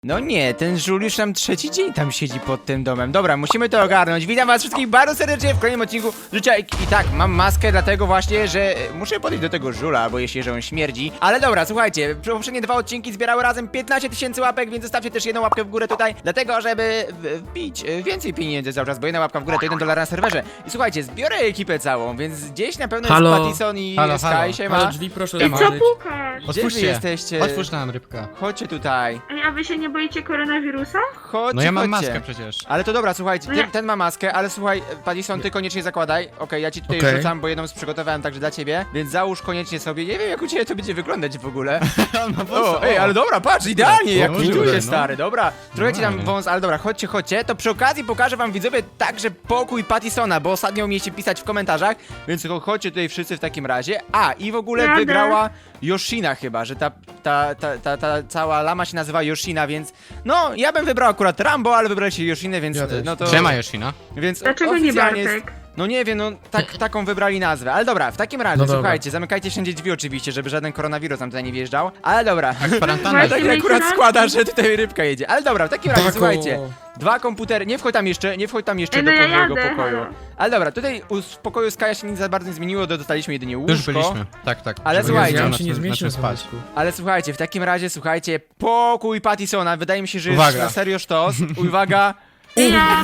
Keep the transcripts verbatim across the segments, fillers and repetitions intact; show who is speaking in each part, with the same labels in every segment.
Speaker 1: No nie, ten żul już tam trzeci dzień tam siedzi pod tym domem. Dobra, musimy to ogarnąć. Witam was wszystkich bardzo serdecznie w kolejnym odcinku Życia I, I tak, mam maskę dlatego właśnie, że muszę podejść do tego żula, albo jeśli, że on śmierdzi. Ale dobra, słuchajcie, poprzednie dwa odcinki zbierały razem piętnaście tysięcy łapek, więc zostawcie też jedną łapkę w górę tutaj, dlatego żeby wbić więcej pieniędzy cały czas, bo jedna łapka w górę to jeden dolar na serwerze. I słuchajcie, zbiorę ekipę całą, więc gdzieś na pewno
Speaker 2: Halo.
Speaker 1: jest Pattison i
Speaker 3: Halo,
Speaker 1: Sky,
Speaker 3: halo.
Speaker 1: siema.
Speaker 2: Ale drzwi proszę
Speaker 4: I co
Speaker 2: otworzyć.
Speaker 4: pukasz?
Speaker 1: Gdzie
Speaker 3: Otwórzcie.
Speaker 1: wy jesteście?
Speaker 3: Otwórz nam rybka.
Speaker 1: Chodźcie tutaj.
Speaker 4: Ej, a wy się nie boicie koronawirusa?
Speaker 1: Chodźcie,
Speaker 3: No ja mam
Speaker 1: chodźcie.
Speaker 3: maskę przecież.
Speaker 1: Ale to dobra, słuchajcie,
Speaker 4: No
Speaker 1: ten,
Speaker 4: ja-
Speaker 1: ten ma maskę, ale słuchaj, Pattison, ty koniecznie zakładaj. Okej, ja ci tutaj
Speaker 2: Okej.
Speaker 1: rzucam, bo jedną przygotowałem także dla ciebie, więc załóż koniecznie sobie. Nie wiem, jak u ciebie to będzie wyglądać w ogóle.
Speaker 3: No po co?
Speaker 1: O, ej, ale dobra, patrz, idealnie, jak
Speaker 3: kurde,
Speaker 1: widuje,
Speaker 3: no.
Speaker 1: stary, dobra. Trochę ci tam
Speaker 3: Normalnie.
Speaker 1: wąs, ale dobra, chodźcie, chodźcie. To przy okazji pokażę wam, widzowie, także pokój Pattisona, bo ostatnio umieliście pisać w komentarzach, więc cho- chodźcie tutaj wszyscy w takim razie. A, i w ogóle
Speaker 4: Jadę.
Speaker 1: wygrała Yoshina chyba, że ta, ta, ta, ta, ta cała lama się nazywa Yoshina, więc no, ja bym wybrał akurat Rambo, ale wybraliście Yoshinę, więc
Speaker 2: Ja też.
Speaker 1: no to...
Speaker 3: Siema Yoshina.
Speaker 1: Więc
Speaker 4: Dlaczego nie
Speaker 1: oficjalnie
Speaker 4: Bartek?
Speaker 1: jest, no nie wiem, no tak, taką wybrali nazwę. Ale dobra, w takim razie,
Speaker 2: No dobra.
Speaker 1: słuchajcie, zamykajcie wszędzie drzwi oczywiście, żeby żaden koronawirus nam tutaj nie wjeżdżał. Ale dobra.
Speaker 3: Tak, kwarantanna.
Speaker 4: Właśnie.
Speaker 1: Tak
Speaker 4: myjcie
Speaker 1: akurat
Speaker 4: rączki.
Speaker 1: składa, że tutaj rybka jedzie. Ale dobra, w takim razie,
Speaker 2: Tako.
Speaker 1: słuchajcie. Dwa komputery, nie wchodź tam jeszcze, nie wchodź tam jeszcze
Speaker 4: Ej,
Speaker 1: do
Speaker 4: no ja
Speaker 1: mojego
Speaker 4: jadę,
Speaker 1: pokoju.
Speaker 4: halo.
Speaker 1: Ale dobra, tutaj u- w pokoju Skaja się nic za bardzo nie zmieniło, do- dostaliśmy jedynie łóżko.
Speaker 3: Już byliśmy. Tak, tak.
Speaker 1: Ale
Speaker 3: Żeby
Speaker 1: słuchajcie,
Speaker 3: wiedział,
Speaker 2: ja
Speaker 3: na
Speaker 2: się nie
Speaker 3: czym- na
Speaker 2: zmieścił
Speaker 3: czym
Speaker 2: w
Speaker 3: spać.
Speaker 2: spać.
Speaker 1: Ale słuchajcie, w takim razie, słuchajcie, pokój Pattisona, wydaje mi się, że jest
Speaker 3: Uwaga.
Speaker 1: na serio sztos. Uwaga.
Speaker 4: Ja...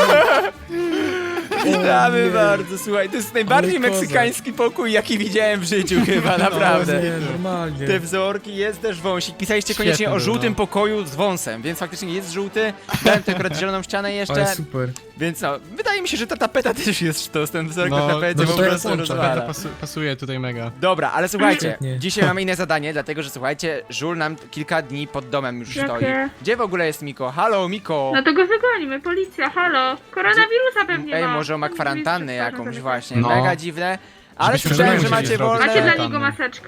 Speaker 1: Witamy
Speaker 2: nie.
Speaker 1: bardzo, słuchaj, to jest najbardziej
Speaker 2: Ale kozak.
Speaker 1: meksykański pokój, jaki widziałem w życiu chyba, naprawdę.
Speaker 2: No, nie, normalnie.
Speaker 1: Te wzorki, jest też wąsik. Pisaliście koniecznie
Speaker 3: Świetny
Speaker 1: o
Speaker 3: był,
Speaker 1: żółtym
Speaker 3: no.
Speaker 1: pokoju z wąsem, więc faktycznie jest żółty. Dałem tutaj akurat zieloną ścianę jeszcze,
Speaker 2: Ale super.
Speaker 1: więc no, wydaje mi się, że ta tapeta też jest sztos, ten wzorek
Speaker 3: No,
Speaker 1: na tapecie
Speaker 2: no
Speaker 1: po
Speaker 2: to ja
Speaker 1: prostu
Speaker 2: włączam.
Speaker 1: rozwala.
Speaker 3: To pasu, pasuje tutaj mega.
Speaker 1: Dobra, ale słuchajcie,
Speaker 2: Świetnie.
Speaker 1: dzisiaj mamy inne zadanie, dlatego że słuchajcie, żul nam kilka dni pod domem już
Speaker 4: Jakie?
Speaker 1: stoi. Gdzie w ogóle jest Miko? Halo, Miko!
Speaker 4: No to go wygonimy, policja, halo. Koronawirusa pewnie
Speaker 1: Ej,
Speaker 4: ma.
Speaker 1: może ma
Speaker 4: Drzwi
Speaker 1: kwarantannę
Speaker 4: przez
Speaker 1: jakąś
Speaker 4: zamykać.
Speaker 1: właśnie,
Speaker 3: No.
Speaker 1: mega dziwne. Ale
Speaker 3: Żebyśmy
Speaker 1: słyszałem, że
Speaker 3: musieli
Speaker 1: macie
Speaker 3: zrobić.
Speaker 1: wolne...
Speaker 4: Macie dla
Speaker 3: Kwarantanny.
Speaker 4: niego maseczkę?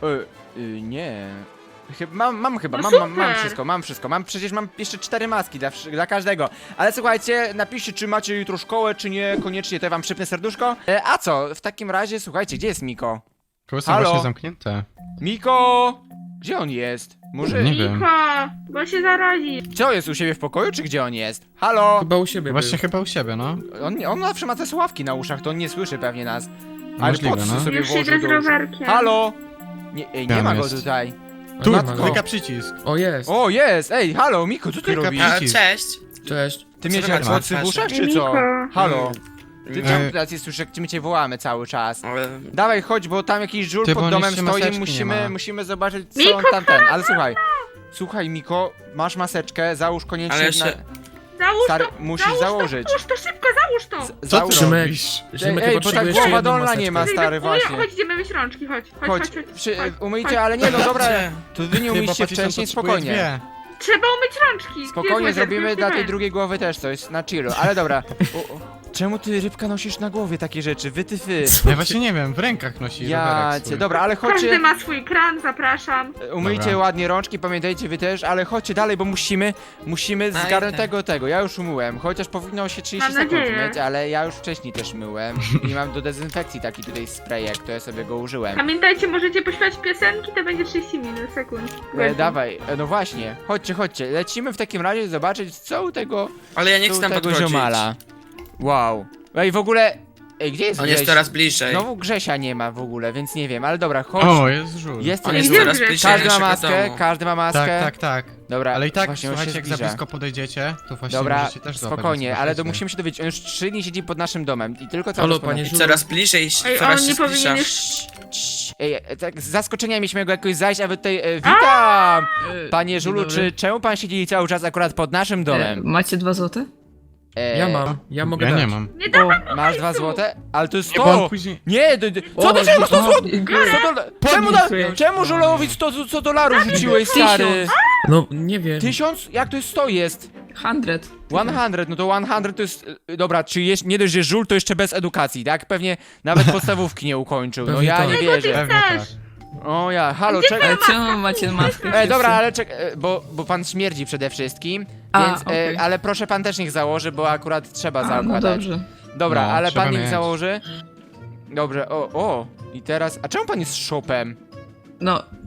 Speaker 1: Y, y, nie. Chyba, mam, mam chyba,
Speaker 4: No
Speaker 1: mam, mam, mam
Speaker 4: super.
Speaker 1: wszystko, mam wszystko, mam przecież mam jeszcze cztery maski dla, wszy- dla każdego. Ale słuchajcie, napiszcie, czy macie jutro szkołę, czy nie, koniecznie, to ja wam przypnę serduszko. E, a co, w takim razie, słuchajcie, gdzie jest Miko?
Speaker 3: Koło są
Speaker 1: Halo?
Speaker 3: właśnie zamknięte.
Speaker 1: Miko! Gdzie on jest? Może...
Speaker 3: Nie wiem.
Speaker 4: Niko, bo się zarazi.
Speaker 1: Co, jest u siebie w pokoju, czy gdzie on jest? Halo?
Speaker 2: Chyba u siebie
Speaker 3: Właśnie
Speaker 2: był.
Speaker 3: chyba u siebie, no.
Speaker 1: On, on zawsze ma te słuchawki na uszach, to on nie słyszy pewnie nas. Ale
Speaker 3: Możliwe,
Speaker 1: po co
Speaker 3: no.
Speaker 1: sobie
Speaker 4: Już
Speaker 1: włożył
Speaker 4: idę z
Speaker 1: do uszu?
Speaker 4: rowerkiem.
Speaker 1: Halo? Nie, ej, nie
Speaker 3: Tam
Speaker 1: ma go
Speaker 3: jest.
Speaker 1: tutaj.
Speaker 2: A
Speaker 3: Tu,
Speaker 2: nie ma go.
Speaker 3: klika przycisk.
Speaker 2: O, jest.
Speaker 1: O, jest! Ej, halo, Miko, co ty
Speaker 3: Klika
Speaker 1: robisz?
Speaker 3: przycisk.
Speaker 5: A, cześć.
Speaker 2: Cześć.
Speaker 1: Ty
Speaker 5: Co
Speaker 1: miałeś
Speaker 5: wy macie
Speaker 1: AirPodsy
Speaker 5: na
Speaker 1: w uszach,
Speaker 5: twarzy?
Speaker 1: czy co?
Speaker 4: Niko.
Speaker 1: Halo? Ty
Speaker 3: Mm.
Speaker 1: czemu teraz jest słyszę, jak my cię wołamy cały czas?
Speaker 5: Ale...
Speaker 1: Dawaj, chodź, bo tam jakiś żul
Speaker 3: Ty, bo
Speaker 1: pod
Speaker 3: on
Speaker 1: domem
Speaker 3: jeszcze
Speaker 1: stoi,
Speaker 3: maseczki nie
Speaker 1: musimy,
Speaker 3: ma.
Speaker 1: musimy zobaczyć, co
Speaker 4: Miko,
Speaker 1: on tam ten. Ale słuchaj, słuchaj, Miko, masz maseczkę, załóż koniecznie
Speaker 5: Ale jeszcze-
Speaker 1: na...
Speaker 4: Załóż
Speaker 1: Stary,
Speaker 4: to,
Speaker 1: musisz
Speaker 4: załóż
Speaker 1: założyć.
Speaker 4: To, załóż to szybko, załóż to.
Speaker 1: Z-
Speaker 3: Co
Speaker 1: załóż-
Speaker 3: ty
Speaker 2: Szymek,
Speaker 3: robisz?
Speaker 2: Szymek
Speaker 1: Ej,
Speaker 2: chyba
Speaker 1: bo tak
Speaker 2: potrzebuje
Speaker 1: głowa
Speaker 2: jeszcze jedną
Speaker 1: dolna
Speaker 2: maseczkę.
Speaker 1: nie ma, stary,
Speaker 4: Wyjdę-
Speaker 1: właśnie.
Speaker 4: Chodź, idziemy myć rączki, chodź. Chodź,
Speaker 1: Chodź,
Speaker 4: chodź, chodź.
Speaker 1: przy,
Speaker 4: chodź.
Speaker 1: umyjcie, ale nie no, dobra,
Speaker 5: Dobrze.
Speaker 1: to wy nie
Speaker 3: Chyba
Speaker 1: umyjcie
Speaker 3: Pattison
Speaker 1: wcześniej,
Speaker 3: potrzebuje
Speaker 1: spokojnie.
Speaker 3: dwie.
Speaker 4: Trzeba umyć rączki. Gdzie
Speaker 1: Spokojnie
Speaker 4: jest
Speaker 1: zrobimy
Speaker 4: łyżek?
Speaker 1: dla tej
Speaker 4: Weź.
Speaker 1: drugiej głowy też coś, na chillu, ale dobra. O, o. Czemu ty, rybka, nosisz na głowie takie rzeczy? Wy ty fy.
Speaker 3: Ja właśnie nie wiem, w rękach nosi
Speaker 1: Ja
Speaker 3: rowerek
Speaker 1: cię,
Speaker 3: swój.
Speaker 1: dobra, ale
Speaker 4: Każdy
Speaker 1: chodźcie,
Speaker 4: ma swój kran, zapraszam.
Speaker 1: umyjcie
Speaker 3: Dobra.
Speaker 1: ładnie rączki, pamiętajcie wy też, ale chodźcie dalej, bo musimy, musimy
Speaker 5: A,
Speaker 1: zgarnąć
Speaker 5: idę.
Speaker 1: tego, tego, ja już umyłem, chociaż powinno się trzydzieści
Speaker 4: Mam
Speaker 1: sekund
Speaker 4: nadzieję.
Speaker 1: myć, ale ja już wcześniej też myłem i mam do dezynfekcji taki tutaj sprayek, to ja sobie go użyłem.
Speaker 4: Pamiętajcie, możecie pośpiewać piosenki, to będzie trzydzieści minut, sekund.
Speaker 1: E, dawaj, e, no właśnie, chodźcie, chodźcie, lecimy w takim razie zobaczyć, co u tego,
Speaker 5: Ale ja nie
Speaker 1: co
Speaker 5: chcę
Speaker 1: u
Speaker 5: tam
Speaker 1: tego
Speaker 5: podchodzić.
Speaker 1: ziomala. Wow. Ej, w ogóle, ej, gdzie jest
Speaker 5: On jest
Speaker 1: Grześ?
Speaker 5: coraz bliżej.
Speaker 1: Znowu Grzesia nie ma w ogóle, więc nie wiem, ale dobra, chodź.
Speaker 3: O, jest żul.
Speaker 1: Jest,
Speaker 5: On
Speaker 1: jest,
Speaker 5: jest
Speaker 4: Gdzie
Speaker 5: coraz
Speaker 4: Grześ?
Speaker 5: bliżej
Speaker 1: każdy ma
Speaker 5: naszego
Speaker 1: maskę,
Speaker 5: domu.
Speaker 1: każdy ma maskę.
Speaker 3: Tak, tak, tak.
Speaker 1: Dobra,
Speaker 3: Ale i tak,
Speaker 1: właśnie on się
Speaker 3: słuchajcie, jak za
Speaker 1: zbliża.
Speaker 3: blisko podejdziecie, to właśnie
Speaker 1: Dobra,
Speaker 3: możecie też złapać.
Speaker 1: spokojnie,
Speaker 3: więc
Speaker 1: ale to
Speaker 3: proszę.
Speaker 1: musimy się dowiedzieć, on już trzy dni siedzi pod naszym domem i tylko cały
Speaker 2: Halo,
Speaker 1: czas pod
Speaker 2: panie
Speaker 1: naszym-
Speaker 5: I coraz bliżej,
Speaker 4: Ej,
Speaker 5: coraz
Speaker 4: on
Speaker 5: się
Speaker 4: nie powinien
Speaker 5: zbliża.
Speaker 4: już...
Speaker 1: Cii, Ej, e, tak z zaskoczenia mieliśmy go jakoś zajść, a wy tutaj, e, witam! Panie Żulu, czy czemu pan siedzi cały czas akurat pod naszym
Speaker 6: E,
Speaker 1: domem?
Speaker 6: macie dwa złote?
Speaker 1: E,
Speaker 2: Ja mam, ja mogę
Speaker 3: Ja
Speaker 2: dać.
Speaker 3: nie mam.
Speaker 4: Nie dawaj
Speaker 6: O,
Speaker 1: Masz dwa złote? Ale to jest
Speaker 3: Nie, bo on
Speaker 1: sto!
Speaker 3: później...
Speaker 1: Nie, do, do, co
Speaker 6: o,
Speaker 1: to czemu sto
Speaker 6: o,
Speaker 1: złotych?
Speaker 6: biorę.
Speaker 1: sto dola- Czemu, da,
Speaker 6: Podpisuję.
Speaker 1: czemu Żulowi sto, sto dolarów rzuciłeś, stary?
Speaker 6: Tysiąc.
Speaker 2: No, nie wiem.
Speaker 1: Tysiąc? Jak to jest sto jest?
Speaker 6: Hundred.
Speaker 1: sto, no to sto to jest... y, Dobra, czy jest, nie dość, że żul, to jeszcze bez edukacji, tak? Pewnie nawet podstawówki nie ukończył, no
Speaker 2: Pewnie
Speaker 1: ja
Speaker 2: tak.
Speaker 1: nie
Speaker 4: Czego ty
Speaker 1: wierzę.
Speaker 3: Pewnie tak.
Speaker 4: chcesz?
Speaker 1: O ja, halo, czekaj.
Speaker 6: Ale czemu macie maskę?
Speaker 1: E, dobra,
Speaker 6: wszyscy?
Speaker 1: ale czekaj, e, bo, bo pan śmierdzi przede wszystkim,
Speaker 6: A,
Speaker 1: więc,
Speaker 6: okej.
Speaker 1: e, ale proszę pan też niech założy, bo akurat trzeba
Speaker 6: A, no
Speaker 1: zakładać.
Speaker 6: dobrze.
Speaker 1: Dobra,
Speaker 3: No,
Speaker 1: ale
Speaker 3: trzeba
Speaker 1: pan niech
Speaker 3: mieć.
Speaker 1: założy. Dobrze, o, o, i teraz, a czemu pan jest shopem?
Speaker 6: No,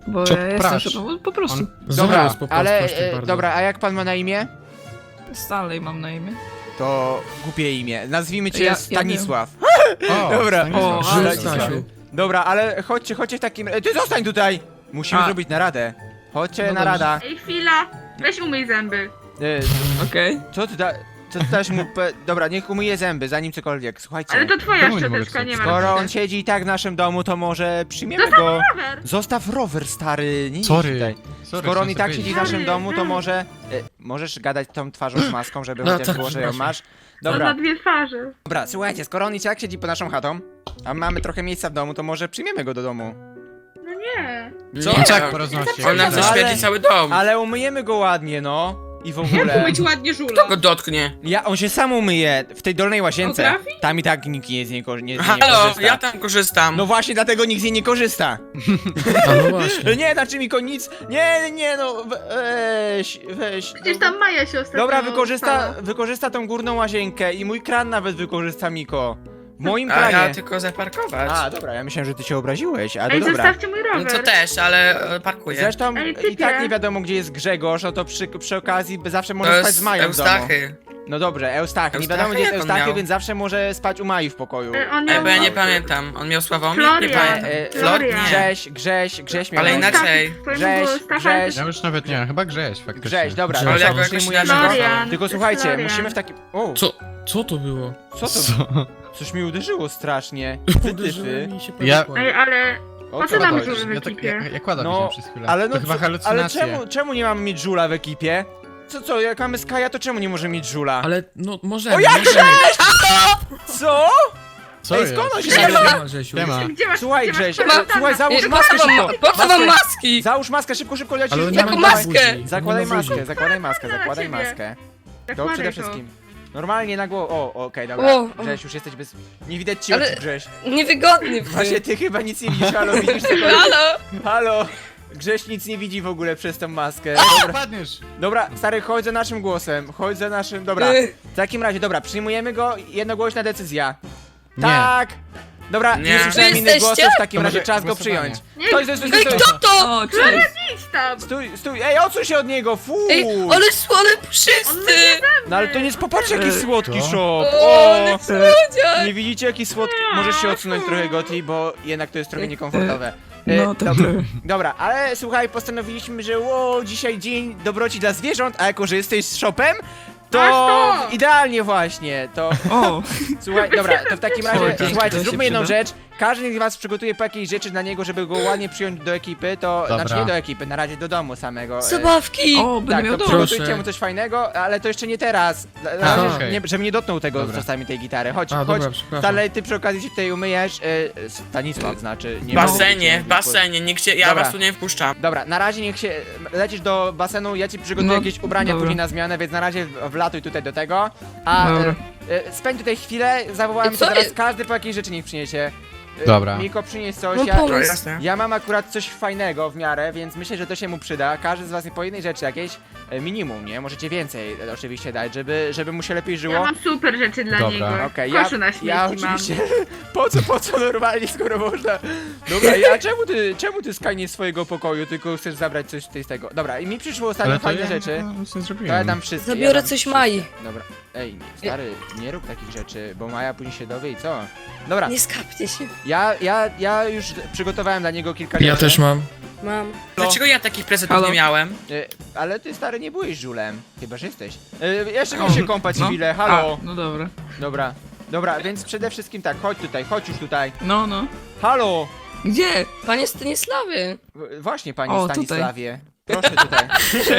Speaker 6: Bo
Speaker 3: Co,
Speaker 6: ja jestem
Speaker 3: prasz?
Speaker 6: szopem, po prostu.
Speaker 3: On-
Speaker 1: Dobra,
Speaker 2: Zaraz, po prostu,
Speaker 1: ale
Speaker 2: proszę
Speaker 1: e,
Speaker 2: bardzo.
Speaker 1: dobra, a jak pan ma na imię?
Speaker 6: Stalej mam na imię.
Speaker 1: To głupie imię. Nazwijmy cię
Speaker 6: Ja- ja
Speaker 1: Stanisław.
Speaker 3: O,
Speaker 1: Dobra.
Speaker 3: Stanisław.
Speaker 6: O,
Speaker 2: Żył,
Speaker 6: ale-
Speaker 2: Stasiu.
Speaker 1: Dobra, ale chodźcie, chodźcie w takim... e, Ty zostań tutaj! Musimy
Speaker 6: A.
Speaker 1: zrobić naradę. Chodźcie
Speaker 6: No
Speaker 1: na
Speaker 6: dobrze.
Speaker 1: rada.
Speaker 4: Ej, chwila. Weź umyj zęby.
Speaker 1: E,
Speaker 6: Okej.
Speaker 1: co ty da... Co ty dasz mu... Pe... Dobra, niech umyje zęby, zanim cokolwiek. Słuchajcie.
Speaker 4: Ale to twoja
Speaker 3: Czemu nie mogę
Speaker 4: szczoteczka, nie
Speaker 3: wstać?
Speaker 4: ma.
Speaker 1: Skoro on siedzi i tak w naszym domu, to może przyjmiemy
Speaker 4: Zostaw
Speaker 1: go...
Speaker 4: rower.
Speaker 1: Zostaw rower, stary, nie idź
Speaker 3: Sorry.
Speaker 1: tutaj.
Speaker 3: Sorry,
Speaker 1: Skoro on
Speaker 3: chciałem
Speaker 1: i tak
Speaker 3: sobie
Speaker 1: siedzi w
Speaker 3: powiedzieć.
Speaker 1: naszym domu, to
Speaker 4: Sorry.
Speaker 1: może... E, możesz gadać tą twarzą z maską, żeby
Speaker 2: No
Speaker 1: chociaż
Speaker 2: tak,
Speaker 1: było, że ją
Speaker 2: przepraszam.
Speaker 1: masz.
Speaker 4: On
Speaker 1: Dobra,
Speaker 4: ma dwie twarze.
Speaker 1: dobra, słuchajcie, skoro on i tak siedzi pod naszą chatą, a mamy trochę miejsca w domu, to może przyjmiemy go do domu.
Speaker 4: No nie.
Speaker 1: Co?
Speaker 3: On
Speaker 5: Nie,
Speaker 3: tak
Speaker 5: on-
Speaker 3: poroznosi.
Speaker 5: On nam
Speaker 1: No, ale-
Speaker 5: zaświeci cały dom.
Speaker 1: Ale umyjemy go ładnie, no. I w ogóle.
Speaker 7: Umyć ładnie żula.
Speaker 5: Go dotknie.
Speaker 1: Ja, on się sam umyje w tej dolnej łazience.
Speaker 7: Potrafi?
Speaker 1: Tam i tak nikt nie z niej, ko- nie, z niej nie
Speaker 5: Halo,
Speaker 1: korzysta.
Speaker 5: ja tam korzystam.
Speaker 1: No właśnie, dlatego nikt z niej nie korzysta.
Speaker 2: A no właśnie.
Speaker 1: Nie, znaczy mi nic. Nie, nie, no weź, weź.
Speaker 4: Przecież tam Maja się ostatnio
Speaker 1: Dobra, wykorzysta,
Speaker 4: stała.
Speaker 1: wykorzysta tą górną łazienkę i mój kran nawet wykorzysta Miko. W moim
Speaker 5: A
Speaker 1: kranie.
Speaker 5: ja tylko zaparkować.
Speaker 1: A, dobra, ja myślałem, że ty się obraziłeś, ale
Speaker 4: Ej,
Speaker 1: dobra.
Speaker 4: zostawcie mój
Speaker 5: No
Speaker 4: rower.
Speaker 5: to też, ale e, parkuję.
Speaker 1: Zresztą
Speaker 4: Ej,
Speaker 1: i
Speaker 4: typie.
Speaker 1: tak nie wiadomo, gdzie jest Grzegorz, no to przy, przy okazji by zawsze
Speaker 5: To
Speaker 1: może spać
Speaker 5: jest
Speaker 1: z Mają w domu.
Speaker 5: Eustachy.
Speaker 1: No dobrze, Eustachy. Nie
Speaker 5: Eustachy?
Speaker 1: wiadomo, gdzie jest
Speaker 5: Jak on
Speaker 1: Eustachy,
Speaker 5: miał?
Speaker 1: więc zawsze może spać u Mai w pokoju.
Speaker 4: E, On
Speaker 5: Ej,
Speaker 4: miał...
Speaker 5: bo ja nie pamiętam. On miał Sławomir? Nie
Speaker 4: Florian.
Speaker 5: pamiętam.
Speaker 1: E,
Speaker 4: Florian.
Speaker 1: Grześ, Grześ, Grześ miał.
Speaker 5: Ale
Speaker 1: na imię.
Speaker 5: inaczej.
Speaker 1: Grześ, Grześ.
Speaker 3: Ja już nawet nie wiem, chyba Grześ faktycznie.
Speaker 1: Grześ, dobra,
Speaker 2: Ale
Speaker 1: no
Speaker 5: jak
Speaker 1: co,
Speaker 5: go jakoś
Speaker 1: przyjmujemy
Speaker 5: inaczej
Speaker 1: go?
Speaker 5: nazwał.
Speaker 4: Florian.
Speaker 1: Tylko
Speaker 4: to jest
Speaker 1: słuchajcie,
Speaker 4: Florian.
Speaker 1: musimy w takim... O,
Speaker 2: Co? Co to było?
Speaker 1: co to?
Speaker 3: Co?
Speaker 1: Coś mi uderzyło strasznie. Ty,
Speaker 2: Uderzyłem i się
Speaker 3: Ja-
Speaker 2: powikłam.
Speaker 4: Ej, ale...
Speaker 1: O
Speaker 4: Po
Speaker 1: co
Speaker 4: co nam
Speaker 1: chodzi?
Speaker 4: żul w
Speaker 3: Ja, tak,
Speaker 4: ekipie?
Speaker 3: ja, ja kładam
Speaker 1: No,
Speaker 3: przez chwilę.
Speaker 1: ale no
Speaker 3: to chyba
Speaker 1: co, ale
Speaker 3: halucynacje.
Speaker 1: czemu, czemu nie mamy mieć żula w ekipie? Co, co, jak mamy Skaja, to czemu nie możemy mieć żula?
Speaker 2: Ale no możemy,
Speaker 1: O, jak
Speaker 2: możemy.
Speaker 1: Co?
Speaker 3: Co
Speaker 1: Ej,
Speaker 3: jest?
Speaker 1: skąd on się
Speaker 2: Nie
Speaker 1: bierze?
Speaker 2: ma, Rzesiu.
Speaker 3: Siema.
Speaker 4: Gdzie masz...
Speaker 1: Słuchaj,
Speaker 4: gdzie masz
Speaker 1: Grześ,
Speaker 4: kwarantanna?
Speaker 1: słuchaj, załóż
Speaker 6: Ej,
Speaker 1: maskę
Speaker 6: po co wam,
Speaker 1: szybko.
Speaker 6: po co wam maski?
Speaker 1: Załóż maskę, szybko, szybko, lecisz.
Speaker 2: Ale on nie
Speaker 6: Jaką
Speaker 2: ma
Speaker 6: maskę?
Speaker 2: buzi.
Speaker 1: Zakładaj
Speaker 2: Nie ma buzi.
Speaker 1: maskę, zakładaj maskę,
Speaker 4: Na
Speaker 1: zakładaj
Speaker 4: ciebie.
Speaker 1: maskę. To
Speaker 4: Zakładaj
Speaker 1: przede
Speaker 4: to.
Speaker 1: wszystkim. Normalnie na głowę. O, okej, dobra.
Speaker 6: O, o.
Speaker 1: Grześ, już jesteś bez... Nie widać ci
Speaker 6: Ale-
Speaker 1: oczu, Grześ.
Speaker 6: Niewygodny
Speaker 1: Właśnie ty chyba nic nie widzisz, halo, widzisz tego?
Speaker 6: Halo?
Speaker 1: Halo! Grześ nic nie widzi w ogóle przez tą maskę.
Speaker 3: Dobra.
Speaker 1: Dobra,
Speaker 3: Padniesz.
Speaker 1: dobra, stary, chodź za naszym głosem, chodź za naszym... Dobra,
Speaker 6: Ech.
Speaker 1: w takim razie, dobra, przyjmujemy go, jednogłośna decyzja.
Speaker 3: Nie.
Speaker 1: Tak! Dobra, nie,
Speaker 5: Nie.
Speaker 1: słyszałem
Speaker 6: Wy
Speaker 1: innych
Speaker 6: jesteście?
Speaker 1: głosów, w takim
Speaker 3: To
Speaker 1: razie
Speaker 3: może
Speaker 1: czas go
Speaker 3: głosowanie.
Speaker 1: przyjąć.
Speaker 4: Nie,
Speaker 1: Stój, stój, stój,
Speaker 6: Ej,
Speaker 1: stój,
Speaker 6: kto to? O, cześć.
Speaker 4: Idź tam!
Speaker 1: stój, stój, ej, odsuń się od niego, fu!
Speaker 6: Ej, ale, ale
Speaker 4: On
Speaker 6: puszysty!
Speaker 4: mnie
Speaker 1: No ale to nie jest, popatrz jaki słodki
Speaker 3: Co?
Speaker 1: shop!
Speaker 6: O, ale słodziak!
Speaker 1: Nie widzicie jaki słodki... Możesz się odsunąć trochę, Goti, bo jednak to jest trochę niekomfortowe. E,
Speaker 6: No, to
Speaker 1: dobra,
Speaker 6: trochę.
Speaker 1: dobra, ale słuchaj, postanowiliśmy, że ło, dzisiaj dzień dobroci dla zwierząt, a jako, że jesteś z shopem, to
Speaker 4: Masz to!
Speaker 1: idealnie właśnie, to...
Speaker 6: O,
Speaker 1: Słuchaj, dobra, to w takim razie,
Speaker 6: Oj, dzięki,
Speaker 1: słuchajcie,
Speaker 6: to się
Speaker 1: zróbmy jedną
Speaker 6: przyda.
Speaker 1: rzecz. Każdy z was przygotuje po jakiejś rzeczy dla niego, żeby go ładnie przyjąć do ekipy, to...
Speaker 3: Dobra.
Speaker 1: Znaczy nie do ekipy, na razie do domu samego. e,
Speaker 6: zabawki!
Speaker 2: No,
Speaker 6: O, będę
Speaker 1: Tak,
Speaker 6: miał
Speaker 1: to
Speaker 6: dom.
Speaker 2: Proszę.
Speaker 1: przygotujcie mu coś fajnego, ale to jeszcze nie teraz. Na
Speaker 3: A,
Speaker 1: razie,
Speaker 3: okej.
Speaker 1: nie, żebym nie dotknął tego
Speaker 3: Dobra.
Speaker 1: czasami tej gitary. Chodź,
Speaker 2: A,
Speaker 1: chodź.
Speaker 2: dobra, przepraszam.
Speaker 1: Dalej ty przy okazji się tutaj umyjesz. E, Stanisław znaczy.
Speaker 5: W
Speaker 1: Nie
Speaker 5: basenie,
Speaker 1: mogę
Speaker 5: w
Speaker 1: cię-
Speaker 5: basenie, nikt się, ja
Speaker 1: Dobra.
Speaker 5: was tu nie wpuszczam.
Speaker 1: Dobra, na razie niech się. Lecisz do basenu, ja ci przygotuję
Speaker 6: No,
Speaker 1: jakieś ubrania
Speaker 6: dobra.
Speaker 1: później na zmianę, więc na razie w- wlatuj tutaj do tego. A
Speaker 6: Dobra.
Speaker 1: e, e, spędź tutaj chwilę, zawołałem
Speaker 6: I
Speaker 1: to
Speaker 6: co
Speaker 1: teraz,
Speaker 6: jest?
Speaker 1: każdy po jakiejś rzeczy niech przyniesie. E,
Speaker 3: Dobra.
Speaker 1: Miko, przynieś coś.
Speaker 6: No
Speaker 1: Ja,
Speaker 6: pomysł.
Speaker 5: No jasne.
Speaker 1: ja mam akurat coś fajnego w miarę, więc myślę, że to się mu przyda. Każdy z was po jednej rzeczy jakieś e, minimum, nie? Możecie więcej e, oczywiście dać, żeby, żeby mu się lepiej
Speaker 4: Ja
Speaker 1: żyło.
Speaker 4: mam super rzeczy dla
Speaker 3: Dobra.
Speaker 4: niego.
Speaker 1: Okej,
Speaker 4: W
Speaker 1: ja,
Speaker 4: koszu na śmieci
Speaker 1: ja
Speaker 4: mam.
Speaker 1: oczywiście. Po co, po co normalnie, skoro można? Dobra, a czemu ty, czemu ty skajniesz swojego pokoju, tylko chcesz zabrać coś tutaj z tego? Dobra, i mi przyszło ostatnio
Speaker 3: Ale to
Speaker 1: fajne
Speaker 3: ja
Speaker 1: rzeczy.
Speaker 3: no, nic nie
Speaker 1: To ja
Speaker 3: zrobiłem.
Speaker 1: dam wszystkie. ja
Speaker 6: Zabiorę
Speaker 1: dam
Speaker 6: coś
Speaker 1: wszystkie.
Speaker 6: Mai.
Speaker 1: Dobra. Ej, nie, stary, nie rób takich rzeczy, bo Maja później się dowie i co? Dobra,
Speaker 6: Nie skapcie się.
Speaker 1: ja, ja, ja już przygotowałem dla niego kilka rzeczy.
Speaker 2: Ja też mam.
Speaker 6: Mam.
Speaker 5: Dlaczego ja takich prezentów
Speaker 6: Halo?
Speaker 5: nie miałem?
Speaker 1: E, ale ty stary nie byłeś żulem. Chyba, że jesteś. E, jeszcze muszę się kąpać
Speaker 6: No.
Speaker 1: chwilę, halo.
Speaker 6: A, no dobra.
Speaker 1: Dobra. Dobra, więc przede wszystkim tak, chodź tutaj, chodź już tutaj.
Speaker 6: No, no.
Speaker 1: Halo!
Speaker 6: Gdzie? Panie Stanisławie.
Speaker 1: W- Właśnie, panie
Speaker 6: O, tutaj.
Speaker 1: Stanisławie. Proszę tutaj.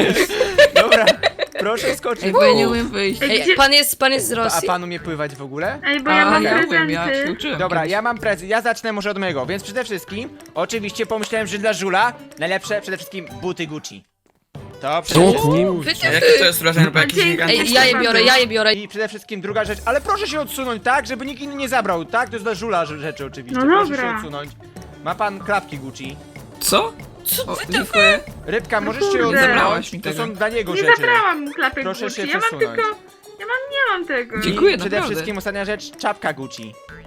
Speaker 1: Dobra, proszę skoczyć.
Speaker 6: Ej, bo ja nie umiem wyjść.
Speaker 4: Ej,
Speaker 6: Ej,
Speaker 4: gdzie-
Speaker 6: pan jest, pan jest z
Speaker 1: A
Speaker 6: Rosji?
Speaker 1: pan umie pływać w ogóle?
Speaker 4: Ej, bo ja
Speaker 6: A,
Speaker 4: mam
Speaker 6: ja
Speaker 4: prezenty.
Speaker 6: umiem, ja się uczyłem.
Speaker 1: Dobra,
Speaker 6: kiedyś.
Speaker 1: ja mam prezent. Ja zacznę może od mojego. Więc przede wszystkim, oczywiście pomyślałem, że dla żula najlepsze przede wszystkim buty Gucci. To przede
Speaker 2: O
Speaker 1: wszystkim.
Speaker 2: kurczę.
Speaker 6: Wycie-
Speaker 5: Jakie to jest wrażenie, bo jakiś
Speaker 4: Dzięki.
Speaker 5: gigant.
Speaker 6: Ej, ja je biorę, ja je biorę.
Speaker 1: I przede wszystkim druga rzecz, ale proszę się odsunąć, tak? Żeby nikt inny nie zabrał, tak? To jest dla żula rze- rzeczy oczywiście.
Speaker 4: No
Speaker 1: proszę
Speaker 4: dobra.
Speaker 1: się odsunąć. Ma pan klapki Gucci.
Speaker 6: Co? Co o, dziękuję.
Speaker 1: Rybka, możesz
Speaker 4: kurde.
Speaker 1: się odsunąć.
Speaker 6: Zabrałaś mi
Speaker 1: To
Speaker 6: tego.
Speaker 1: są dla niego
Speaker 4: Nie
Speaker 1: rzeczy.
Speaker 4: zabrałam mu klapek
Speaker 1: Proszę
Speaker 4: Gucci.
Speaker 1: się
Speaker 4: Ja mam
Speaker 1: przesunąć.
Speaker 4: tylko... Ja mam, nie mam tego.
Speaker 6: Dziękuję,
Speaker 1: I przede
Speaker 6: naprawdę.
Speaker 1: wszystkim ostatnia rzecz, czapka Gucci.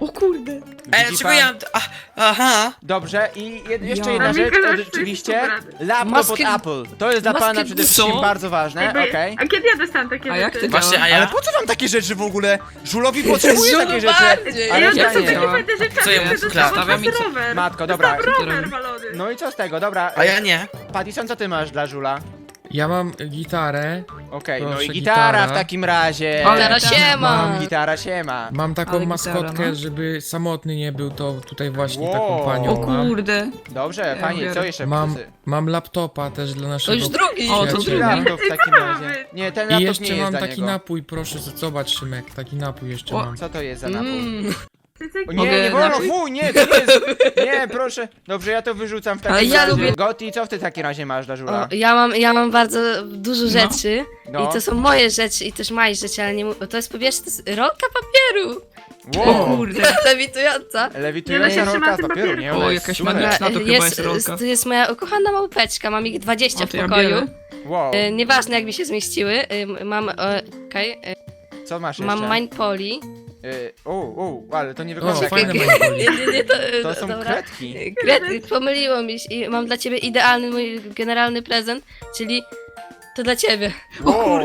Speaker 6: O kurde.
Speaker 5: Ej,
Speaker 1: Widzi
Speaker 5: dlaczego
Speaker 1: pan?
Speaker 5: ja... A, aha.
Speaker 1: Dobrze, i jed jeszcze
Speaker 6: Ja.
Speaker 1: jedna
Speaker 4: A
Speaker 1: rzecz,
Speaker 4: Mikołaj,
Speaker 1: to rzeczywiście
Speaker 4: wszyscy
Speaker 1: laptop
Speaker 6: Maskę-
Speaker 1: od Apple. To jest dla
Speaker 6: maskę-
Speaker 1: pana przede wszystkim
Speaker 6: Co?
Speaker 1: bardzo ważne,
Speaker 4: Jakby-
Speaker 1: okej.
Speaker 4: A kiedy ja dostałam takie
Speaker 6: A jak
Speaker 4: rzeczy?
Speaker 6: to
Speaker 5: Właśnie, a
Speaker 1: Ale
Speaker 5: ja...
Speaker 1: po co wam takie rzeczy w ogóle? Żulowi potrzebuje
Speaker 6: Żulu
Speaker 1: takie rzeczy.
Speaker 6: bardziej.
Speaker 1: Ale
Speaker 4: Ja
Speaker 1: ja
Speaker 4: dostałam
Speaker 1: nie.
Speaker 4: takie fajne rzeczy,
Speaker 5: Co
Speaker 4: a
Speaker 5: ja
Speaker 4: ty
Speaker 5: mu
Speaker 4: dostałam od
Speaker 6: stawiam
Speaker 4: was
Speaker 6: i co?
Speaker 4: rower.
Speaker 1: Matko, dobra.
Speaker 4: Dostałam
Speaker 6: Co
Speaker 4: rower
Speaker 6: robi?
Speaker 4: walony.
Speaker 1: No i co z tego, dobra.
Speaker 5: A ja nie.
Speaker 1: Pattison, co ty masz dla Żula?
Speaker 2: Ja mam gitarę,
Speaker 1: Okej, no
Speaker 2: Proszę,
Speaker 1: i gitara
Speaker 2: gitara.
Speaker 1: w takim razie.
Speaker 6: Ale teraz siema.
Speaker 2: Mam
Speaker 1: Gitara siema.
Speaker 2: mam taką
Speaker 6: Ale gitara,
Speaker 2: maskotkę,
Speaker 6: no.
Speaker 2: żeby samotny nie był, to tutaj właśnie
Speaker 1: Wow.
Speaker 2: taką
Speaker 6: O
Speaker 2: panią mam.
Speaker 6: kurde.
Speaker 1: Dobrze,
Speaker 6: Ja
Speaker 1: fajnie, co
Speaker 6: biorę.
Speaker 1: jeszcze
Speaker 2: Mam,
Speaker 1: plusy?
Speaker 2: mam laptopa też dla
Speaker 6: To
Speaker 2: naszego
Speaker 6: już drugi.
Speaker 2: O, to
Speaker 1: Jaki
Speaker 2: drugi.
Speaker 1: laptop w
Speaker 4: Ej,
Speaker 1: takim
Speaker 4: co to ma
Speaker 1: razie?
Speaker 4: być?
Speaker 1: Nie, ten
Speaker 2: I
Speaker 1: laptop
Speaker 2: jeszcze
Speaker 1: nie jest
Speaker 2: mam
Speaker 1: dla
Speaker 2: taki
Speaker 1: niego.
Speaker 2: napój, proszę, z- zobacz Szymek, taki napój jeszcze
Speaker 6: O.
Speaker 2: mam.
Speaker 1: Co to jest za napój?
Speaker 6: Mm.
Speaker 4: Ty co-
Speaker 1: O, nie,
Speaker 6: Mogę
Speaker 1: nie wolno,
Speaker 6: napój?
Speaker 1: fuj, nie, to jest... Nie, proszę. Dobrze, ja to wyrzucam w takim
Speaker 6: Ale ja
Speaker 1: razie.
Speaker 6: lubię-
Speaker 1: Goti, co w ty w takim razie masz dla Żula?
Speaker 7: O, ja mam, ja mam bardzo dużo rzeczy
Speaker 1: No.
Speaker 7: i to są moje rzeczy i też moje rzeczy, ale nie mu- to jest po pierwsze to jest rolka papieru.
Speaker 6: O
Speaker 1: Wow.
Speaker 6: kurde.
Speaker 7: Lewitująca.
Speaker 1: Lewitująca
Speaker 4: Ja się
Speaker 1: rolka
Speaker 4: trzymam
Speaker 1: z
Speaker 4: tym
Speaker 1: papieru,
Speaker 4: papierem.
Speaker 1: nie?
Speaker 6: O,
Speaker 1: Ona jest
Speaker 6: jakaś
Speaker 1: super.
Speaker 6: magnetka. to chyba jest rolka.
Speaker 7: to jest moja ukochana małpeczka, mam ich dwadzieścia
Speaker 6: O,
Speaker 7: w
Speaker 6: to ja
Speaker 7: pokoju.
Speaker 6: biorę.
Speaker 1: Wow,
Speaker 7: E, nieważne jak mi się zmieściły. E, mam, e, okej, e,
Speaker 1: co masz jeszcze?
Speaker 7: mam Mindpoli.
Speaker 1: Y, O, o, ale to nie
Speaker 2: O,
Speaker 1: wygląda jak...
Speaker 2: fajne
Speaker 7: Nie,
Speaker 2: manipuly.
Speaker 7: nie, nie, to, e,
Speaker 1: To są
Speaker 7: dobra.
Speaker 1: kredki.
Speaker 7: E, Kredki, pomyliło mi się i mam dla ciebie idealny mój generalny prezent, czyli to dla ciebie.
Speaker 1: Wow.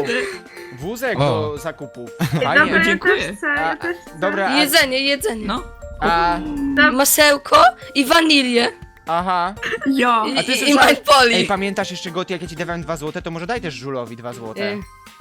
Speaker 1: Wózek
Speaker 3: O.
Speaker 1: do zakupów.
Speaker 4: Dobra,
Speaker 1: Fajnie.
Speaker 4: ja
Speaker 6: Dziękuję.
Speaker 4: też chcę, ja
Speaker 1: A,
Speaker 4: też chcę.
Speaker 1: Dobra, a,
Speaker 7: Jedzenie, jedzenie.
Speaker 6: No.
Speaker 1: a,
Speaker 7: Masełko i wanilię.
Speaker 1: aha.
Speaker 6: Ja.
Speaker 7: I,
Speaker 1: A ty
Speaker 7: i, i
Speaker 1: słyszałeś-
Speaker 7: Mindpoli.
Speaker 1: Ej, pamiętasz jeszcze, Goti, jak ja ci dawałem dwa złote, to może daj też Żulowi dwa złote.
Speaker 7: Y,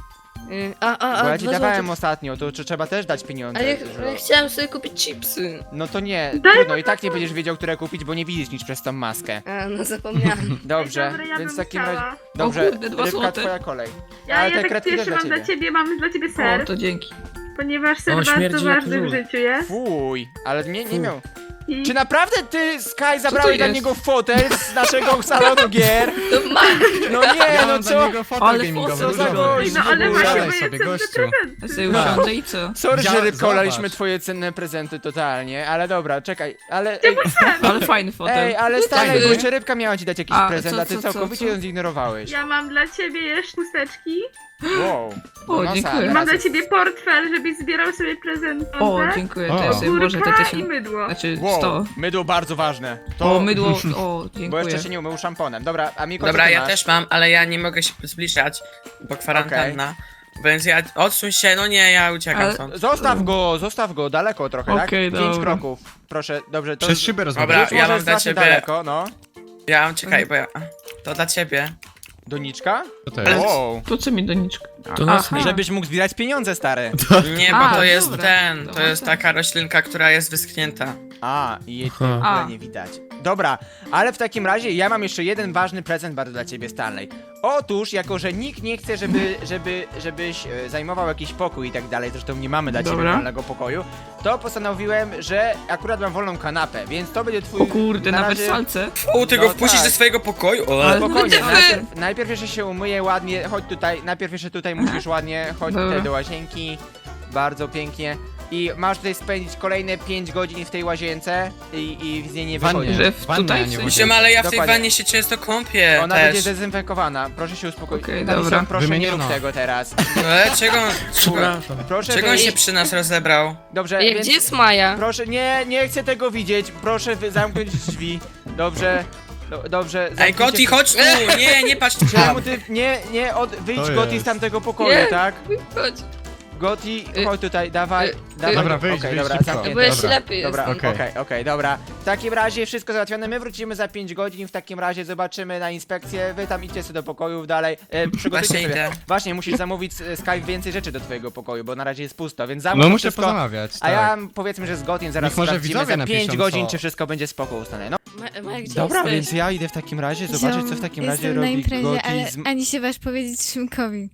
Speaker 7: y, a, a, a,
Speaker 1: Bo ja ci
Speaker 7: dwa
Speaker 1: dawałem
Speaker 7: złote.
Speaker 1: ostatnio, to czy trzeba też dać pieniądze?
Speaker 7: Ale ja,
Speaker 1: Żulowi?
Speaker 7: ja chciałem sobie kupić chipsy.
Speaker 1: No to nie,
Speaker 4: Daj
Speaker 1: trudno, i tak nie będziesz wiedział, które kupić, bo nie widzisz nic przez tą maskę.
Speaker 7: A, no zapomniałem.
Speaker 1: Dobrze,
Speaker 4: Dobra, ja
Speaker 1: więc w
Speaker 4: bym
Speaker 1: takim
Speaker 4: chciała.
Speaker 1: razie... Dobrze,
Speaker 6: O kurde, dwa
Speaker 1: Rybka,
Speaker 6: złote.
Speaker 1: twoja kolej.
Speaker 4: Ja,
Speaker 1: Ale
Speaker 4: ja
Speaker 1: te
Speaker 4: tak
Speaker 1: kredki też
Speaker 4: pierwszy
Speaker 1: dla
Speaker 4: mam dla
Speaker 1: ciebie.
Speaker 4: ciebie, mam dla ciebie
Speaker 6: O,
Speaker 4: ser,
Speaker 6: to dzięki.
Speaker 4: ponieważ ser
Speaker 2: O,
Speaker 4: bardzo
Speaker 2: śmierdzi jak
Speaker 4: ważny w
Speaker 2: żul.
Speaker 4: życiu jest.
Speaker 1: Fuj, ale nie, nie
Speaker 2: Fu.
Speaker 1: miał...
Speaker 4: I
Speaker 1: Czy naprawdę ty, Sky, zabrałeś dla
Speaker 6: jest?
Speaker 1: niego fotel z naszego salonu gier?
Speaker 7: To ma.
Speaker 1: No nie,
Speaker 3: Ja
Speaker 1: no
Speaker 3: mam dla
Speaker 1: co?
Speaker 3: niego fotel
Speaker 6: Ale
Speaker 3: gamingowy,
Speaker 1: co za
Speaker 3: dużo.
Speaker 1: gość.
Speaker 4: no ale właśnie,
Speaker 3: Siadaj
Speaker 4: moje
Speaker 3: sobie,
Speaker 4: cenne
Speaker 3: gościu.
Speaker 4: prezenty.
Speaker 6: Ja sobie usiądę i co?
Speaker 1: Sorry,
Speaker 3: Ja-
Speaker 1: że Rybko laliśmy
Speaker 3: zobacz.
Speaker 1: twoje cenne prezenty totalnie, ale dobra, czekaj, ale... Ej,
Speaker 6: Ale fajny fotel.
Speaker 1: ej ale stary,
Speaker 3: Fajny.
Speaker 1: bo jeszcze Rybka miała ci dać jakiś
Speaker 6: A,
Speaker 1: prezent,
Speaker 6: co,
Speaker 1: a ty
Speaker 6: co, co,
Speaker 1: całkowicie
Speaker 6: co?
Speaker 1: ją zignorowałeś.
Speaker 4: Ja mam dla ciebie jeszcze chusteczki.
Speaker 1: Wow.
Speaker 6: O,
Speaker 1: nosa,
Speaker 6: dziękuję.
Speaker 1: teraz
Speaker 4: Mam dla
Speaker 1: jest-
Speaker 4: ciebie portfel, żebyś zbierał sobie prezenty.
Speaker 6: O, dziękuję. To ja
Speaker 3: O.
Speaker 6: sobie włożę te
Speaker 4: Kurka i
Speaker 6: tysiąc.
Speaker 4: mydło.
Speaker 6: Znaczy
Speaker 1: Wow,
Speaker 6: sto.
Speaker 1: mydło bardzo ważne. To...
Speaker 6: O, mydło. O,
Speaker 1: Bo
Speaker 6: dziękuję.
Speaker 1: jeszcze się nie umył szamponem. Dobra, a Miko,
Speaker 5: Dobra,
Speaker 1: co ty
Speaker 5: ja
Speaker 1: masz?
Speaker 5: też mam, ale ja nie mogę się zbliżać, bo kwarantanna. Więc ja... Odsuń się, no nie, ja uciekam
Speaker 6: Ale-
Speaker 5: stąd.
Speaker 1: Zostaw go, zostaw go, daleko trochę,
Speaker 6: Okej,
Speaker 1: tak? Pięć
Speaker 6: dobra.
Speaker 1: kroków. Proszę, dobrze, to...
Speaker 3: Przez szybę
Speaker 5: Dobra,
Speaker 3: rozmawiasz.
Speaker 1: Już
Speaker 5: ja
Speaker 1: może
Speaker 5: mam dla
Speaker 1: strasznie
Speaker 5: ciebie-
Speaker 1: daleko, no.
Speaker 5: Ja mam, czekaj, bo ja... To dla ciebie.
Speaker 1: Doniczka?
Speaker 3: Co to jest?
Speaker 1: Wow.
Speaker 6: Po co mi doniczka?
Speaker 2: To nas
Speaker 6: Aha.
Speaker 1: Żebyś mógł zbierać pieniądze, stary.
Speaker 5: Nie, bo
Speaker 6: A,
Speaker 5: to jest
Speaker 6: dobra.
Speaker 5: ten, to
Speaker 6: Dobra,
Speaker 5: jest
Speaker 6: tak.
Speaker 5: taka roślinka, która jest wyschnięta.
Speaker 1: A, i jej tutaj w
Speaker 2: Aha.
Speaker 1: ogóle
Speaker 6: A.
Speaker 1: nie widać. Dobra, ale w takim razie ja mam jeszcze jeden ważny prezent bardzo dla ciebie, Stanley. Otóż, jako że nikt nie chce, żeby, żeby, żebyś e, zajmował jakiś pokój i tak dalej, zresztą nie mamy dla ciebie
Speaker 6: Dobra.
Speaker 1: wolnego pokoju, to postanowiłem, że akurat mam wolną kanapę, więc to będzie twój...
Speaker 6: O kurde, na
Speaker 1: razie-
Speaker 6: wersalce.
Speaker 5: U, ty
Speaker 1: No
Speaker 5: go wpuścisz
Speaker 1: tak.
Speaker 5: do swojego pokoju? O,
Speaker 6: Ale-
Speaker 1: Spokojnie,
Speaker 6: Będziemy-
Speaker 1: najpierw, najpierw jeszcze się umyję ładnie, chodź tutaj, najpierw jeszcze tutaj musisz ładnie, chodź
Speaker 6: Dobra.
Speaker 1: tutaj do łazienki, bardzo pięknie. I masz tutaj spędzić kolejne pięć godzin w tej łazience i, i z niej nie
Speaker 3: Wannie.
Speaker 1: wychodzisz.
Speaker 6: Że w-
Speaker 3: Wannie,
Speaker 6: tutaj
Speaker 3: a nie
Speaker 6: w
Speaker 3: w
Speaker 6: sensie-
Speaker 5: Wiem, ale ja w tej
Speaker 1: Dokładnie.
Speaker 5: wannie się często kąpię
Speaker 1: Ona
Speaker 5: też.
Speaker 1: będzie zdezynfekowana, proszę się uspokoić.
Speaker 6: Okej,
Speaker 1: Madison,
Speaker 6: dobra.
Speaker 1: proszę nie
Speaker 3: Wymieniono.
Speaker 1: rób tego teraz.
Speaker 5: E, czego, czego,
Speaker 2: Przepraszam.
Speaker 1: Proszę
Speaker 5: czego on
Speaker 1: wyjść.
Speaker 5: się przy nas rozebrał?
Speaker 1: Dobrze,
Speaker 7: Ej,
Speaker 1: więc...
Speaker 7: gdzie jest Maja?
Speaker 1: Proszę, nie, nie chcę tego widzieć, proszę wy- zamknąć drzwi. Dobrze, do, dobrze.
Speaker 5: Ej,
Speaker 1: zamknijcie-
Speaker 5: Goti, chodź tu! Nie, nie patrz
Speaker 1: Czemu ty, nie, nie, od, wyjdź
Speaker 3: To
Speaker 1: Goti
Speaker 3: jest.
Speaker 1: z tamtego pokoju,
Speaker 7: Nie.
Speaker 1: tak?
Speaker 7: Chodź.
Speaker 1: Goti,
Speaker 7: Y,
Speaker 1: chodź tutaj, dawaj,
Speaker 7: y,
Speaker 1: dawaj.
Speaker 3: Dobra, wyjdź,
Speaker 1: Okej,
Speaker 3: wyjdź
Speaker 1: dobra,
Speaker 3: szybko.
Speaker 1: zamknięte.
Speaker 7: Bo ja
Speaker 3: Dobra.
Speaker 7: ślepy
Speaker 1: Dobra,
Speaker 7: jestem.
Speaker 1: okej,
Speaker 3: Okej.
Speaker 1: okej, dobra. W takim razie wszystko załatwione, my wrócimy za pięć godzin, w takim razie zobaczymy na inspekcję, wy tam idźcie sobie do pokojów dalej, e, przygotujcie
Speaker 5: Właśnie
Speaker 1: sobie.
Speaker 5: idę.
Speaker 1: Właśnie, musisz zamówić e, Skype więcej rzeczy do twojego pokoju, bo na razie jest pusto, więc zamów
Speaker 3: No
Speaker 1: to
Speaker 3: muszę
Speaker 1: wszystko,
Speaker 3: pozamawiać,
Speaker 1: a
Speaker 3: tak.
Speaker 1: ja powiedzmy, że z Gotim zaraz
Speaker 3: Niech może
Speaker 1: sprawdzimy
Speaker 3: widzowie
Speaker 1: za pięć
Speaker 3: napiszą,
Speaker 1: godzin,
Speaker 3: co-
Speaker 1: czy wszystko będzie spoko ustane. No
Speaker 7: Ma, Maja, gdzie
Speaker 1: dobra,
Speaker 7: jesteś?
Speaker 1: więc ja idę w takim razie zobaczyć, co w takim razie robi
Speaker 8: na imprezie,
Speaker 1: Goti
Speaker 8: ale
Speaker 1: z...
Speaker 8: ani się waż powiedzieć Szymkowi.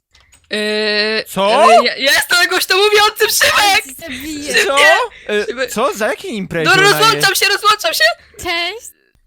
Speaker 7: Yy,
Speaker 1: Co?
Speaker 7: ale Ja, ja jestem głośno mówiący, Szymek!
Speaker 8: Ci zabiję.
Speaker 1: Co? E, co? Za jakiej imprezie
Speaker 7: No
Speaker 1: ona jest?
Speaker 7: rozłączam się, rozłączam się!
Speaker 8: Cześć!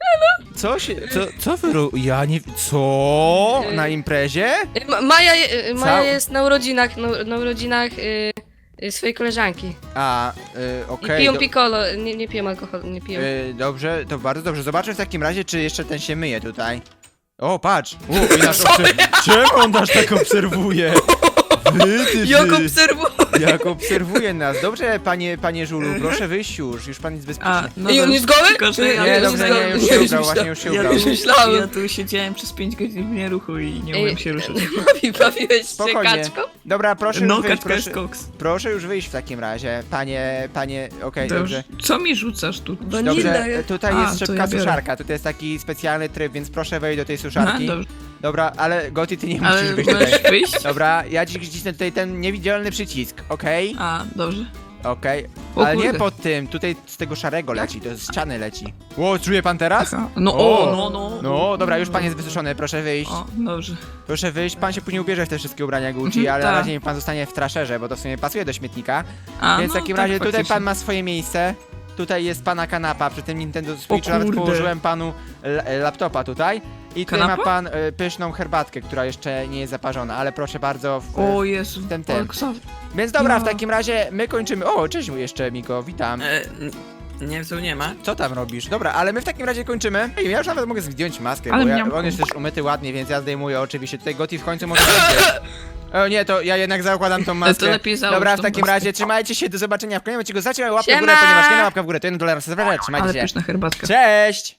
Speaker 1: Co się, co, co wy ro... Ja nie... Co? Na imprezie?
Speaker 7: Yy, Ma, Maja, yy, Maja
Speaker 1: Cał-
Speaker 7: jest na urodzinach, na, na urodzinach yy, yy, swojej koleżanki.
Speaker 1: A, y,
Speaker 7: I
Speaker 1: okej.
Speaker 7: piją
Speaker 1: do-
Speaker 7: piccolo, nie, nie piją alkoholu, nie piją.
Speaker 1: y, dobrze, to bardzo dobrze. Zobaczę w takim razie, czy jeszcze ten się myje tutaj. O, patrz! U, i nasz obser... Czemu on nas tak obserwuje? Wy, ty,
Speaker 6: Jak
Speaker 1: ty.
Speaker 6: obserwuję!
Speaker 1: Jak obserwuje nas. Dobrze, panie, panie Żulu, proszę wyjść już. Już pan jest bezpieczny.
Speaker 6: A, no
Speaker 2: Ej, on
Speaker 6: dobrze.
Speaker 2: jest goły?
Speaker 6: Tylko, że ja
Speaker 1: Nie,
Speaker 6: tu
Speaker 1: dobrze,
Speaker 6: siedziałem-
Speaker 1: nie, już się ubrał, właśnie już się
Speaker 6: ja,
Speaker 1: ubrał.
Speaker 6: tu,
Speaker 2: Myślałem.
Speaker 6: ja tu siedziałem przez pięć godzin w nieruchu i nie
Speaker 7: Ej,
Speaker 6: mogłem się ruszyć.
Speaker 7: Bawi, bawiłeś się
Speaker 1: Spokojnie.
Speaker 7: kaczką?
Speaker 1: Dobra, proszę
Speaker 6: No,
Speaker 1: już wyjść,
Speaker 6: kaczka jest
Speaker 1: proszę,
Speaker 6: koks.
Speaker 1: proszę już wyjść w takim razie. Panie, panie, okej, dobrze.
Speaker 6: Dobrze. Co mi rzucasz tu?
Speaker 1: Dobrze, tutaj
Speaker 6: A,
Speaker 1: jest
Speaker 6: to
Speaker 1: szybka
Speaker 6: ja biorę.
Speaker 1: suszarka, tutaj jest taki specjalny tryb, więc proszę wejść do tej
Speaker 6: Aha,
Speaker 1: suszarki.
Speaker 6: dobrze.
Speaker 1: Dobra, ale Goty, ty nie musisz
Speaker 6: Ale
Speaker 1: być tutaj.
Speaker 6: możesz wyjść?
Speaker 1: Dobra, ja ci wcisnę tutaj ten niewidzialny przycisk, okej?
Speaker 6: A, dobrze.
Speaker 1: Okej,
Speaker 6: O
Speaker 1: ale nie
Speaker 6: kurde.
Speaker 1: pod tym, tutaj z tego szarego leci, to z ściany leci. Ło, czuje pan teraz?
Speaker 6: Aha. No
Speaker 1: O,
Speaker 6: o, no, no.
Speaker 1: No, dobra, już pan jest wysuszony, proszę wyjść.
Speaker 6: O, dobrze.
Speaker 1: Proszę wyjść, pan się później ubierze w te wszystkie ubrania Gucci,
Speaker 6: Mhm,
Speaker 1: ale na
Speaker 6: tak.
Speaker 1: razie niech pan zostanie w trasherze, bo to w sumie pasuje do śmietnika.
Speaker 6: A,
Speaker 1: Więc w
Speaker 6: no,
Speaker 1: takim
Speaker 6: tak,
Speaker 1: razie tutaj
Speaker 6: faktycznie.
Speaker 1: pan ma swoje miejsce. Tutaj jest pana kanapa, przy tym Nintendo Switch nawet
Speaker 6: kurde.
Speaker 1: położyłem panu l- laptopa tutaj. I tutaj
Speaker 6: Kanapa?
Speaker 1: ma pan y, pyszną herbatkę, która jeszcze nie jest zaparzona, ale proszę bardzo. W,
Speaker 6: O Jezu.
Speaker 1: ten, ten.
Speaker 6: O, Ksaw-
Speaker 1: Więc dobra, w
Speaker 6: Ja.
Speaker 1: takim razie my kończymy. O, cześć jeszcze Miko, witam.
Speaker 5: E, n- nie, tu nie ma.
Speaker 1: Co tam robisz? Dobra, ale my w takim razie kończymy. Ej, ja już nawet mogę zdjąć maskę,
Speaker 6: Ale
Speaker 1: bo ja,
Speaker 6: miałam
Speaker 1: on jest też umyty ładnie, więc ja zdejmuję oczywiście. Tutaj Gotti w końcu może zdjąć. O nie, to ja jednak zakładam tą maskę.
Speaker 6: lepiej załóż
Speaker 1: Dobra, w
Speaker 6: tą
Speaker 1: takim
Speaker 6: maskę.
Speaker 1: razie trzymajcie się, do zobaczenia w kolejnym odcinku. Zaczynamy łapkę w
Speaker 7: Siema!
Speaker 1: górę, ponieważ nie ma łapka w górę, to jeden dolar. Trzymajcie
Speaker 6: Ale
Speaker 1: się.
Speaker 6: pyszna herbatka.
Speaker 1: Cześć!